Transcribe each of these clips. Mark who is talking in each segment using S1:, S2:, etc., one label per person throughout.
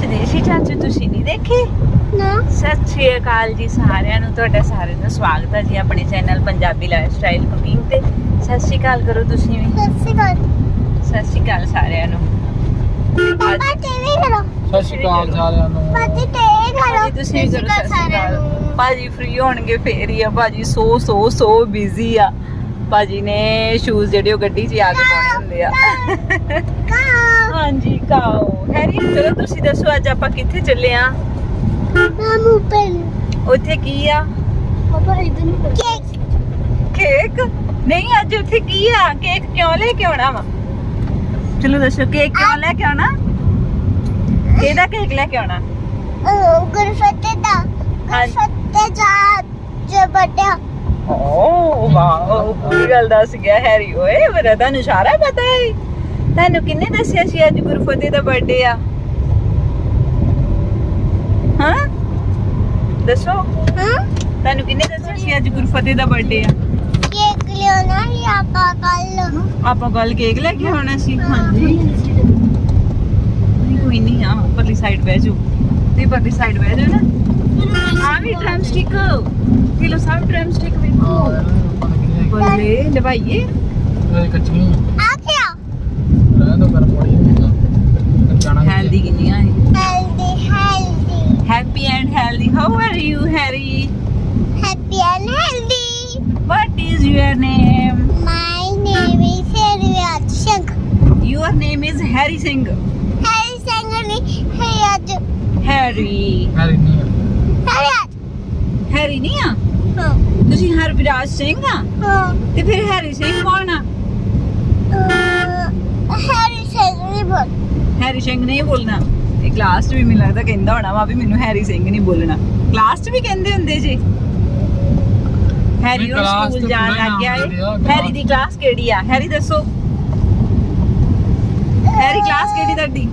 S1: ਸਦੇਸ਼ੀ ਚਾਚੂ ਤੁਸੀਂ ਨਹੀਂ ਦੇਖੇ?
S2: ਨਾ
S1: ਸਤਿ ਸ਼੍ਰੀ ਅਕਾਲ ਜੀ ਸਾਰਿਆਂ ਨੂੰ, ਤੁਹਾਡਾ ਸਾਰਿਆਂ ਦਾ ਸਵਾਗਤ ਹੈ ਜੀ ਆਪਣੇ ਚੈਨਲ ਪੰਜਾਬੀ ਲਾਈਫਸਟਾਈਲ ਕੁਕਿੰਗ ਤੇ। ਸਤਿ ਸ਼੍ਰੀ ਅਕਾਲ ਕਰੋ ਤੁਸੀਂ ਵੀ।
S2: ਸਤਿ
S1: ਸਤਿ ਸ਼੍ਰੀ ਅਕਾਲ ਸਾਰਿਆਂ ਨੂੰ।
S2: ਪਾਪਾ ਟੀਵੀ ਕਰੋ।
S3: ਸਤਿ ਸ਼੍ਰੀ ਅਕਾਲ ਸਾਰਿਆਂ ਨੂੰ।
S2: ਪਾਪਾ ਟੀਵੀ ਕਰੋ।
S1: ਤੁਸੀਂ ਵੀ ਕਰੋ ਸਤਿ ਸ਼੍ਰੀ ਅਕਾਲ। ਭਾਜੀ ਫ੍ਰੀ ਹੋਣਗੇ ਫੇਰ ਹੀ ਆ, ਭਾਜੀ ਸੋ ਬਿਜ਼ੀ ਆ। ਭਾਜੀ ਨੇ ਸ਼ੂਜ਼ ਜਿਹੜੇ ਉਹ ਗੱਡੀ 'ਚ ਆ ਕੇ ਪਾਉਣੇ ਹੁੰਦੇ ਆ। ਹਾਂਜੀ ਕਾਓ ਹੈਰੀ, ਚਲੋ ਤੁਸੀਂ ਦੱਸੋ ਅੱਜ ਆਪਾਂ ਕਿੱਥੇ ਚੱਲੇ ਆ?
S2: ਮਾਮੂ ਪੈਨ
S1: ਉੱਥੇ ਕੀ ਆ?
S2: ਪਾਪਾ ਇਧਰ ਨੂੰ
S1: ਕੇਕ ਨਹੀਂ, ਅੱਜ ਉੱਥੇ ਕੀ ਆ? ਕੇਕ ਕਿਉਂ ਲੈ ਕੇ ਆਉਣਾ ਵਾ? ਚਲੋ ਦੱਸੋ ਕੇਕ ਕਿਉਂ ਲੈ ਕੇ ਆਉਣਾ? ਕਿਹਦਾ ਕੇਕ ਲੈ ਕੇ ਆਉਣਾ?
S2: ਗੁਰਫਤੇ ਦਾ ਗੁਰਫਤੇ ਜੋ ਬਟਿਆ।
S1: ਓ ਵਾਓ, ਪੂਰੀ ਗੱਲ ਦੱਸ ਗਿਆ ਹੈਰੀ ਓਏ। ਮੇਰਾ ਤੁਹਾਨੂੰ ਸਾਰਾ ਪਤਾ ਹੈ। ਤੁਹਾਨੂੰ ਕਿੰਨੇ ਦੱਸਿਆ ਸੀ ਅੱਜ ਗੁਰਫਤੇ ਦਾ ਬਰਥਡੇ ਆ? ਹਾਂ ਦੱਸੋ, ਤੁਹਾਨੂੰ ਕਿੰਨੇ ਦੱਸਿਆ ਸੀ ਅੱਜ ਗੁਰਫਤੇ ਦਾ ਬਰਥਡੇ ਆ?
S2: ਕੇਕ ਲਿਆਉਣਾ ਹੀ ਆਪਾਂ
S1: ਕੱਲ ਕੇਕ ਲੈ ਕੇ ਆਉਣਾ ਸੀ। ਹਾਂਜੀ ਨਹੀਂ ਕੋਈ ਨਹੀਂ, ਆ ਪਰਲੀ ਸਾਈਡ ਬਹਿ ਜਾਓ ਤੇ ਪਰਲੀ ਸਾਈਡ ਬਹਿ ਜਾਓ ਨਾ। ਆ ਵੀ ਡਰਮ ਸਟਿਕ ਕਿਲੋ ਸਭ ਡਰਮ ਸਟਿਕ ਵੇਖੋ ਬੱਲੇ ਲਵਾਈਏ।
S3: ਇਹ ਕੱਚੀ
S2: ਆ ਗਿਆ।
S3: ਰਹਿ ਦੋ ਗਰਮ ਹੋਈ ਜਾਣਾ।
S1: ਹੈਲਦੀ ਕਿੰਨੀਆਂ ਹੈ?
S2: Healthy.
S1: Happy and healthy. How are you Harry?
S2: Happy and healthy.
S1: What is your name?
S2: My name is Harry Singh.
S1: Your name is Harry Singh.
S2: Harry Singh ਨਹੀਂ Harry
S1: Harry.
S3: ਮੈਰੀ ਨਹੀਂ
S1: Harry ਨਹੀਂ ਆ?
S2: ਹਾਂ
S1: ਤੁਸੀਂ ਹਰਵਿਰਾਜ ਸਿੰਘ ਆ?
S2: ਹਾਂ
S1: ਤੇ ਫਿਰ ਹੈਰੀ ਸਿੰਘ ਕੌਣ ਆ?
S2: Harry Singh ਨਹੀਂ ਬੋਲ।
S1: ਹੈਰੀ ਸਿੰਘ ਨਹੀਂ ਬੋਲਣਾ। ਇਹ ਕਲਾਸ 'ਚ ਵੀ ਮੈਨੂੰ ਲੱਗਦਾ ਕਹਿੰਦਾ ਹੋਣਾ ਵਾ ਵੀ ਮੈਨੂੰ ਹੈਰੀ ਸਿੰਘ ਨਹੀਂ ਬੋਲਣਾ। ਕਲਾਸ 'ਚ ਵੀ ਕਹਿੰਦੇ ਹੁੰਦੇ ਜੀ। ਹੈਰੀ ਉਹ ਸਕੂਲ ਜਾਣ ਲੱਗ ਗਿਆ ਏ। ਹੈਰੀ ਦੀ ਕਲਾਸ ਕਿਹੜੀ ਆ? ਹੈਰੀ ਦੱਸੋ। ਹੈਰੀ ਕਲਾਸ ਕਿਹੜੀ ਤੁਹਾਡੀ?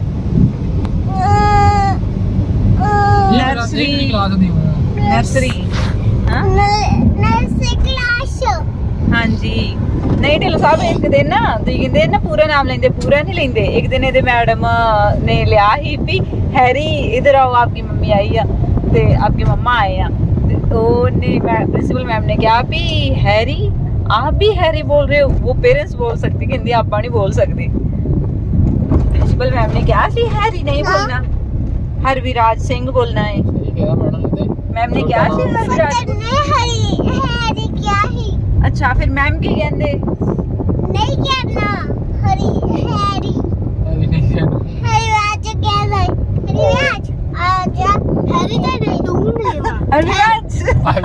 S1: ਨਰਸਰੀ।
S3: ਕਲਾਸ ਦੀ
S1: ਨਰਸਰੀ। ਹਾਂ
S2: ਨਰਸਰੀ ਕਲਾਸ।
S1: ਹਾਂਜੀ ਨਹੀਂ ਢਿੱਲੋਂ ਸਾਹਿਬ, ਇੱਕ ਦਿਨ ਨਾ ਤੁਸੀਂ ਕਹਿੰਦੇ ਨਾ ਪੂਰਾ ਨਾਮ ਲੈਂਦੇ, ਪੂਰਾ ਨਹੀਂ ਲੈਂਦੇ। ਇੱਕ ਦਿਨ ਇਹਦੇ ਮੈਡਮ ਨੇ ਲਿਆ ਹੀ ਵੀ हैरी इधर आओ, आपकी मम्मी आई है ते आपके मम्मा आए हैं। तो प्रिंसिपल मैम ने कहा भी हैरी आप भी हैरी बोल रहे हो? वो पेरेंट्स बोल सकते, कहते आप नहीं बोल सकते। प्रिंसिपल मैम ने कहा सी हैरी नहीं बोलना, हरविराज सिंह बोलना है। मैम ने कहा सी हरविराज
S2: हैरी क्या ही।
S1: अच्छा फिर मैम की कहते
S2: नहीं कहना हैरी हैरी हरिराज कहना है। हरिराज आजा। हैरी का नहीं ढूंढ
S1: हरविराज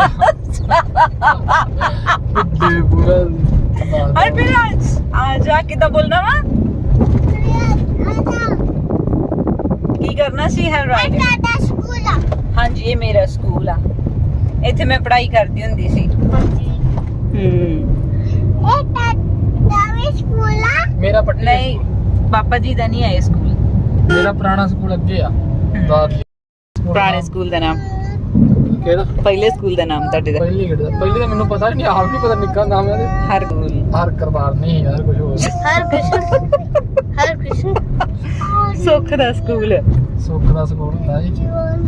S3: पूरा
S1: हरविराज आजा कितना बोलना वा? की करना सी हरविराज?
S2: साਡਾ ਸਕੂਲ ਆ।
S1: ਹਾਂਜੀ ਇਹ ਮੇਰਾ ਸਕੂਲ ਆ, ਇੱਥੇ ਮੈਂ ਪੜ੍ਹਾਈ ਕਰਦੀ ਹੁੰਦੀ ਸੀ।
S2: ਇਹ ਤੁਹਾਡਾ ਵੀ ਸਕੂਲ ਆ?
S3: ਮੇਰਾ ਪੱਟੀ
S1: ਨਹੀਂ ਪਾਪਾ ਜੀ ਦਾ ਨਹੀਂ ਹੈ ਇਹ ਸਕੂਲ।
S3: ਮੇਰਾ ਪੁਰਾਣਾ ਸਕੂਲ ਅੱਗੇ ਆ।
S1: ਪੁਰਾਣੇ ਸਕੂਲ ਦਾ ਨਾਮ?
S3: ਕਿਹੜਾ?
S1: ਪਹਿਲੇ ਸਕੂਲ ਦਾ ਨਾਮ ਤੁਹਾਡੇ ਦਾ?
S3: ਪਹਿਲੀ ਗੇੜ ਦਾ। ਪਹਿਲੀ ਤਾਂ ਮੈਨੂੰ ਪਤਾ ਨਹੀਂ, ਆਪ ਨਹੀਂ ਪਤਾ ਨਿੱਕਾ ਨਾਮ ਹੈ।
S1: ਹਰ ਸਕੂਲ
S3: ਹਰ ਕਰਵਾਰ ਨਹੀਂ ਯਾਰ, ਕੁਝ ਹੋਰ।
S2: ਹਰ ਕ੍ਰਿਸ਼ਨ
S1: ਸੁੱਖ ਦਾ ਸਕੂਲ।
S3: ਸੁੱਖ ਦਾ ਸਕੂਲ ਹੁੰਦਾ ਜੀ।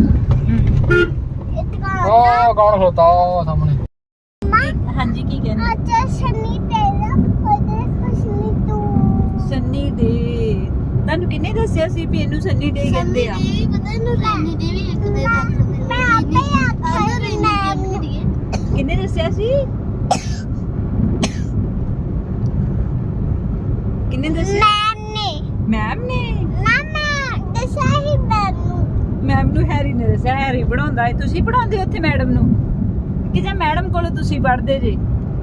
S3: ਉਹ ਕੌਣ ਖਲੋਤਾ ਉਹ ਸਾਹਮਣੇ?
S1: ਹਾਂਜੀ ਕੀ ਕਹਿੰਦੇ?
S2: ਅੱਛਾ ਸਨੀ ਤੇਰਾ ਉਹਦੇ ਖੁਸ਼ਨੀ ਤੂੰ
S1: ਸੰਨੀ ਡੇ। ਤੁਹਾਨੂੰ ਕਿੰਨੇ ਦੱਸਿਆ ਸੀ ਵੀ ਇਹਨੂੰ ਸੰਨੀ ਡੇ ਕਹਿੰਦੇ ਆ?
S2: ਪਤਾ ਇਹਨੂੰ ਰੈਨੀ ਦੇ ਵੀ ਇੱਕ ਦੇ ਮੈਂ ਆਪੇ ਆਖਿਆ ਰੈਨੀ
S1: ਕਿੰਨੇ ਦੱਸਿਆ ਸੀ? ਕਿੰਨੇ ਦੱਸਿਆ? ਮੈਮ ਨੇ
S2: ਨਾ ਮੈਂ ਦੱਸਿਆ ਹੀ ਮੈਨੂੰ।
S1: ਮੈਮ ਨੂੰ ਹੈਰੀ ਨੇ ਦੱਸਿਆ। ਹੈਰੀ ਪੜਾਉਂਦਾ ਹੈ। ਤੁਸੀਂ ਪੜਾਉਂਦੇ ਹੋ ਉੱਥੇ ਮੈਡਮ ਨੂੰ ਕਿ ਜਾਂ ਮੈਡਮ ਕੋਲੋਂ ਤੁਸੀਂ ਪੜ੍ਹਦੇ ਜੇ?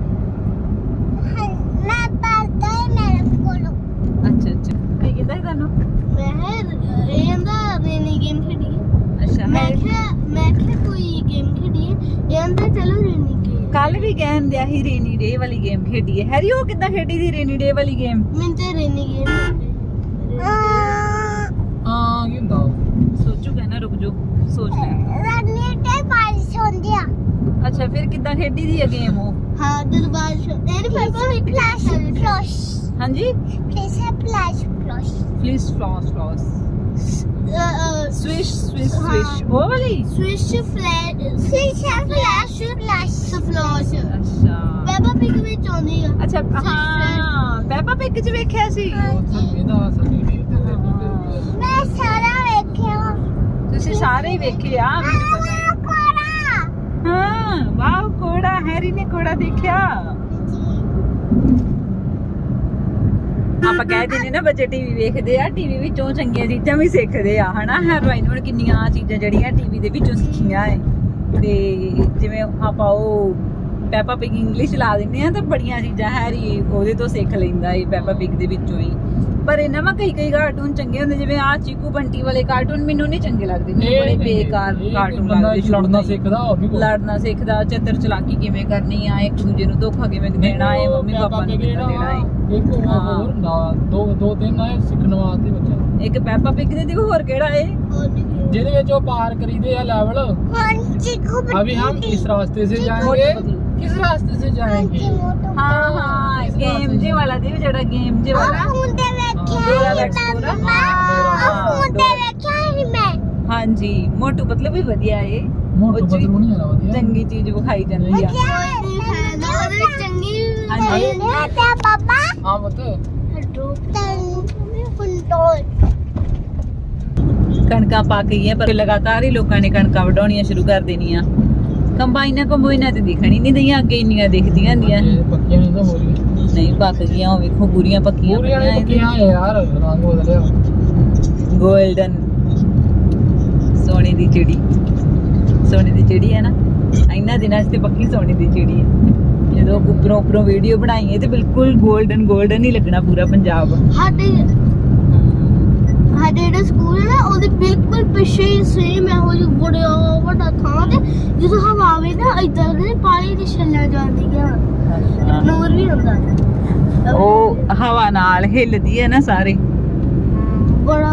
S2: ਮੈਂ ਪੜਦਾ ਹੀ ਮੈਡਮ ਕੋਲੋਂ।
S1: ਅੱਛਾ ਕੀ ਕਹਿੰਦਾ ਸੀ ਤੁਹਾਨੂੰ?
S2: ਮੈਂ ਇਹਦਾ ਰੈਨੀ ਗੇਮ ਖੇਡੀ।
S1: ਅੱਛਾ
S2: ਮੈਂ ਕਿਹਾ ਕੋਈ ਗੇਮ ਖੇਡੀ ਇਹਦਾ ਚਲੋ ਰੈਨੀ ਗੇਮ।
S1: ਕੱਲ ਵੀ ਗੇਮ ਦਿਆ ਹੀ ਰੇਨੀ ਡੇ ਵਾਲੀ ਗੇਮ ਖੇਡੀ ਹੈ। ਹੈਰੀ ਉਹ ਕਿੱਦਾਂ ਖੇਡੀ ਸੀ ਰੇਨੀ ਡੇ ਵਾਲੀ ਗੇਮ?
S2: ਮੈਂ ਤੇ ਰੈਨੀ ਗੇਮ
S3: ਹਾਂ ਕੀ ਹੁੰਦਾ?
S1: ਸੋਚੂਗਾ ਨਾ, ਰੁਕ ਜਾਓ ਸੋਚ ਲੈ।
S2: ਰੈਨੀ ਤੇ ਬਾਰਿਸ਼ ਹੁੰਦੀ ਆ।
S1: ਅੱਛਾ ਫਿਰ ਕਿੱਦਾਂ ਖੇਡੀ ਦੀ ਹੈ ਗੇਮ ਉਹ?
S2: ਹਾਂ ਦਰਬਾਰ ਇਹਦੇ ਪਾਪਾ ਵੀ ਫਲੈਸ਼
S1: ਹਾਂਜੀ
S2: ਫਲੈਸ਼
S1: ਫਲਿਸ ਫਲॉस ਸਵਿਸ਼ ਸਵਿਸ਼ ਸਵਿਸ਼ ਉਹ ਵਾਲੀ
S2: ਸਵਿਸ਼ ਫਲੈਸ਼ ਸਫਲੋਸ਼
S1: ਅੱਛਾ
S2: ਬੇਬਾ ਪਿਕ ਵਿੱਚ ਆਉਂਦੀ ਆ
S1: ਅੱਛਾ ਹਾਂ ਪੈਪਾ ਪਿਕ ਚ ਵੇਖਿਆ ਸੀ
S3: ਇਹਦਾ ਅਸਲੀ
S2: ਮੈਂ ਸਾਰਾ ਵੇਖਿਆ
S1: ਤੁਸੀਂ ਸਾਰੇ ਹੀ ਵੇਖੇ ਆ ਮੈਨੂੰ ਪਤਾ ਹੈ ਹਾਂ ਵਾਓ ਕੋੜਾ ਹੈਰੀ ਨੇ ਕੋੜਾ ਦੇਖਿਆ ਆਪਾਂ ਕਹਿ ਦਿੰਦੇ ਨਾ ਬੱਚੇ ਟੀਵੀ ਵੇਖਦੇ ਆ ਟੀਵੀ ਵਿੱਚੋਂ ਚੰਗੀਆਂ ਚੀਜ਼ਾਂ ਵੀ ਸਿੱਖਦੇ ਆ ਹਨਾ ਹੈਰੋਇਨ ਹੁਣ ਕਿੰਨੀਆਂ ਚੀਜ਼ਾਂ ਜਿਹੜੀਆਂ ਟੀਵੀ ਦੇ ਵਿੱਚੋਂ ਸਿੱਖੀਆਂ ਏ ਤੇ ਜਿਵੇਂ ਆਪਾਂ ਉਹ ਪੈਪਾ ਪਿਗ ਇੰਗਲਿਸ਼ ਲਾ ਦਿੰਦੇ ਆ ਤਾਂ ਬੜੀਆਂ ਚੀਜ਼ਾਂ ਹੈਰੀ ਉਹਦੇ ਤੋਂ ਸਿੱਖ ਲੈਂਦਾ ਏ ਪੈਪਾ ਪਿਗ ਦੇ ਵਿੱਚੋਂ ਹੀ ਪਰ ਇਹਨਾਂ ਵਾ ਕਈ ਕਾਰਟੂਨ ਚੰਗੇ ਹੁੰਦੇ ਜਿਵੇਂ ਆ ਚੀਕੂ ਬੰਟੀ ਵਾਲੇ ਕਾਰਟੂਨ ਮੈਨੂੰ ਨਹੀਂ ਚੰਗੇ ਲੱਗਦੇ ਮੈਨੂੰ ਬੜੇ ਬੇਕਾਰ ਕਾਰਟੂਨ ਲੱਗਦੇ
S3: ਲੜਨਾ ਸਿੱਖਦਾ ਉਹ ਵੀ
S1: ਲੜਨਾ ਸਿੱਖਦਾ ਚਤਰ ਚਲਾਕੀ ਕਿਵੇਂ ਕਰਨੀ ਆ ਇੱਕ ਦੂਜੇ ਨੂੰ ਧੋਖਾ ਕਿਵੇਂ ਦੇਣਾ ਹੈ ਮੰਮੀ ਪਾਪਾ ਨੂੰ ਕਿਵੇਂ ਦੇਣਾ ਹੈ
S3: ਇੱਕ ਹੋਰ ਨਾ ਦੋ ਤਿੰਨ ਆਏ ਸਿੱਖਣ ਵਾਸਤੇ ਬੱਚਾ
S1: ਇੱਕ ਪੈਪਾ ਪਿਗ ਦੇ ਹੋਰ ਕਿਹੜਾ ਏ
S3: ਜਿਹਦੇ ਵਿੱਚ ਉਹ ਪਾਰ ਕਰੀਦੇ ਆ ਲੈਵਲ अभी हम इस रास्ते से जाएंगे किस रास्ते से जाएंगे
S1: ਹਾਂ ਹਾਂ ਗੇਮ ਜੇ ਵਾਲਾ ਦੇ ਜਿਹੜਾ ਗੇਮ ਜੇ ਵਾਲਾ ਹਾਂਜੀ ਮੋਟੂ ਪਤਲੂ ਵੀ ਵਧੀਆ ਏ
S3: मोटू पतलू नहीं है ਵਧੀਆ
S1: ਚੰਗੀ ਚੀਜ਼ ਵਿਖਾਈ ਜਾਂਦੀ ਆ
S3: हां बता
S1: ਕਣਕਾਂ ਪੱਕ ਗਈਆਂ ਪਰ ਲਗਾਤਾਰ ਹੀ ਲੋਕਾਂ ਨੇ ਕਣਕਾਂ ਵਢਾਉਣੀਆਂ ਸ਼ੁਰੂ ਕਰ ਦੇਣੀਆਂ ਕੰਬਾਈਨਾਂ ਤੇ ਦਿਖਣੀ ਨਹੀਂ ਦਈਆਂ ਅੱਗੇ ਇੰਨੀਆਂ ਦਿਖਦੀਆਂ ਹੁੰਦੀਆਂ
S3: ये पक्कियां नहीं ना हो रही
S1: ਨਹੀਂ ਪੱਕ ਗਈਆਂ ਉਹ ਵੇਖੋ ਪੂਰੀਆਂ ਪੱਕੀਆਂ
S3: पूरी वाली पक्कियां है यार रंग बदलिया
S1: ਗੋਲਡਨ ਸੋਨੇ ਦੀ ਚਿੜੀ ਹੈ ਨਾ ਇੰਨਾ ਦਿਨਾਂ 'ਚ ਤੇ ਪੱਕੀ ਸੋਨੇ ਦੀ ਚਿੜੀ ਹੈ ਜਦੋਂ ਉੱਪਰੋਂ ਵੀਡੀਓ ਬਣਾਈਏ ਤੇ ਬਿਲਕੁਲ ਗੋਲਡਨ ਹੀ ਲੱਗਣਾ ਪੂਰਾ ਪੰਜਾਬ
S2: ਸਾਡੇ ਜਿਹੜਾ ਸਕੂਲ ਹੈ ਨਾ ਉਹਦੇ ਬਿਲਕੁਲ ਪਿੱਛੇ ਹੀ ਸੇਮ ਇਹੋ ਜਿਹਾ ਬੜਾ ਵੱਡਾ ਥਾਂ ਤੇ ਜਦੋਂ ਹਵਾ ਆਵੇ ਨਾ ਇਦਾਂ ਦੇ ਪਾਣੀ ਦੀ ਛੱਲਾਂ ਜਾਂਦੀਆਂ ਨੂਰ ਵੀ ਹੁੰਦਾ
S1: ਉਹ ਹਵਾ ਨਾਲ ਹਿੱਲਦੀ ਹੈ ਨਾ ਸਾਰੇ
S2: ਬੜਾ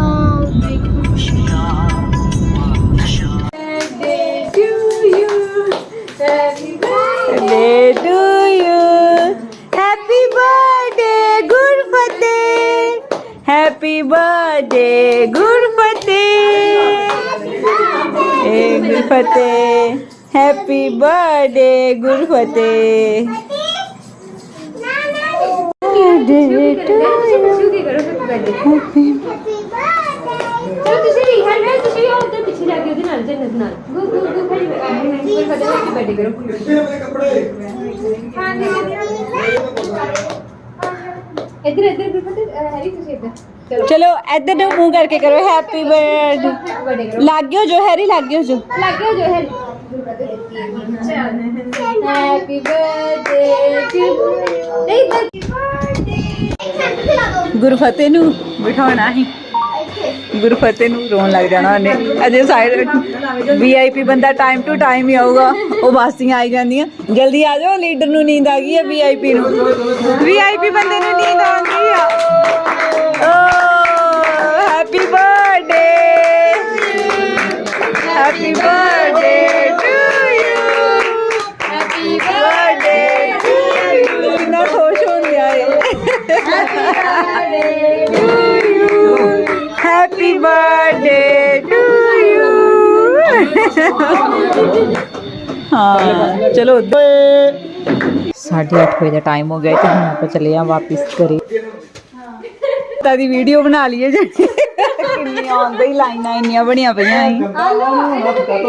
S1: Birthday to you. Happy birthday, Gurfateh. Happy birthday, Gurfateh. Hey, Gurfateh. Happy birthday, Gurfateh. Birthday to you. Happy
S4: ਚਲੋ ਤੁਸੀਂ ਵੀ ਹੈਲੋ ਤੁਸੀਂ ਵੀ ਉੱਧਰ ਪਿੱਛੇ ਜਾ ਕੇ ਉਹਦੇ ਨਾਲ ਜੰਨਤ ਨਾਲ ਗੁੱਡ ਖੜੀ ਬਰਥਡੇ ਕਰੋ ਹਾਂ ਜੀ ਇੱਧਰ ਗੁਰਫਤਿਹ ਹੈਰੀ ਤੁਸੀਂ ਇੱਧਰ
S1: ਚਲੋ ਇੱਧਰ ਨੂੰ ਮੂੰਹ ਕਰਕੇ ਕਰੋ ਹੈਪੀ ਬਰਥਡੇ
S4: ਬਰਥਡੇ ਕਰੋ
S1: ਲੱਗਿਓ ਜੋ ਹੈਰੀ ਲੱਗਿਓ ਜੋ
S4: ਲੱਗਿਓ ਜੋ Harry happy birthday to
S1: Gurfateh ਨੂੰ ਬਿਠਾਉਣਾ ਹੀ ਗੁਰਫਤਿਹ ਨੂੰ ਰੋਣ ਲੱਗ ਜਾਣਾ ਉਹਨੇ ਅਜੇ ਸਾਈਡ ਵੀਆਈਪੀ ਬੰਦਾ ਟਾਈਮ ਟੂ ਟਾਈਮ ਹੀ ਆਊਗਾ ਉਹ ਬਾਸੀਆਂ ਆਈ ਜਾਂਦੀਆਂ ਜਲਦੀ ਆ ਜਾਓ ਲੀਡਰ ਨੂੰ ਨੀਂਦ ਆ ਗਈ ਹੈ ਵੀਆਈਪੀ ਬੰਦੇ ਨੂੰ ਨੀਂਦ ਆ ਗਈ ਆ ਓ happy birthday to you happy birthday to you ਕਿੰਨਾ ਖੁਸ਼ ਹੋ ਗਿਆ Happy birthday to you. हाँ चलो 8:30 ਵਜੇ ਦਾ ਟਾਈਮ ਹੋ ਗਿਆ ਤੇ ਹੁਣ ਆਪਾਂ ਚੱਲੇ ਆ ਵਾਪਿਸ ਘਰੇ ਤਾਂ ਦੀ ਵੀਡੀਓ ਬਣਾ ਲਈਏ ਜਿਹੜੀ ਕਿੰਨੀਆਂ ਆਉਂਦੇ ਹੀ ਲਾਈਨਾਂ ਇੰਨੀਆਂ ਬਣੀਆਂ ਪਈਆਂ ਸੀ